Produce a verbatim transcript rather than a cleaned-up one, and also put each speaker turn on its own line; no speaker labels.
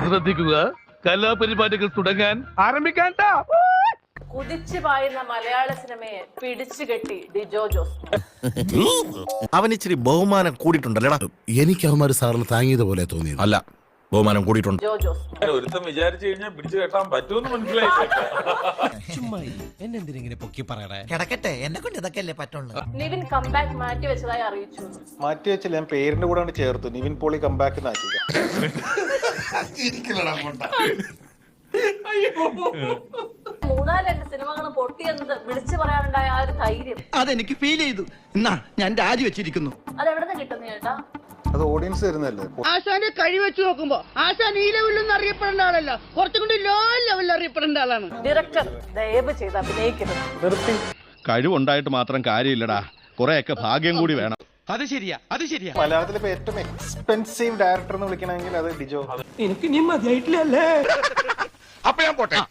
ശ്രദ്ധിക്കുക, കലാപരിപാടികൾ തുടങ്ങാൻ ആരംഭിക്കാൻ.
കുതിച്ചു പായുന്ന മലയാള സിനിമയെ പിടിച്ചു കെട്ടി ഡിജോ ജോസ്.
അവൻ ഇച്ചിരി ബഹുമാനം കൂടിയിട്ടുണ്ടല്ലേടാ.
എനിക്ക് അവന്മാര് സാറിന് താങ്ങിയതുപോലെ തോന്നി.
അല്ല, ബഹുമാനം കൂടിയിട്ടുണ്ട്.
ഡിജോ ജോസ്
ഒരുത്തം വിചാരിച്ചു കഴിഞ്ഞാൽ പിടിച്ചു കെട്ടാൻ പറ്റുമെന്ന് മനസ്സിലായി.
എന്നെന്തിനെ പൊക്കി പറയണേ?
കിടക്കട്ടെ, എന്നെ കൊണ്ട് ഇതൊക്കെ അല്ലേ പറ്റുള്ളൂ.
നിവിൻ കംബാക്ക് മാറ്റി വെച്ചതായി അറിയിച്ചു.
മാറ്റി വെച്ചില്ല, ഞാൻ പേരിന്റെ കൂടെ ചേർത്തു. നിവിൻ പോളി കംബാക്ക് നാക്കി.
മൂന്നാല് രണ്ട് സിനിമകൾ പൊട്ടിയെന്നത് വിളിച്ചു പറയാനുണ്ടായ ആ ഒരു ധൈര്യം
അതെനിക്ക് ഫീൽ ചെയ്തു. എന്നാ ഞാൻ രാജിവെച്ചിരിക്കുന്നു.
അത് എവിടെ നിന്ന് കിട്ടുന്ന ചേട്ടാ?
അത് ഓഡിയൻസ് തരുന്നല്ലേ.
ആശാന്റെ കഴിവ് വെച്ച് നോക്കുമ്പോ ആശാൻ ഈ ലെവലിലൊന്നും അറിയപ്പെടേണ്ട ആളല്ല, കുറച്ചും കൂടി ലോ ലെവലിൽ അറിയപ്പെടേണ്ട ആളാണ്.
ഡയറക്ടർ ദയവ് ചെയ്ത് അഭിനയിക്കരുത്.
നിർത്തി.
കഴിവുണ്ടായിട്ട് മാത്രം കാര്യമില്ലടാ, കുറെയൊക്കെ ഭാഗ്യം കൂടി വേണം.
അത് ശരിയാ, അത് ശരിയാ.
മലയാളത്തിലെ ഇപ്പൊ ഏറ്റവും എക്സ്പെൻസീവ് ഡയറക്ടർ എന്ന് വിളിക്കണമെങ്കിൽ അത് ഡിജോ.
എനിക്ക് നീ മതിയായിട്ടില്ലല്ലേ?
അപ്പൊ ഞാൻ പോട്ടെ.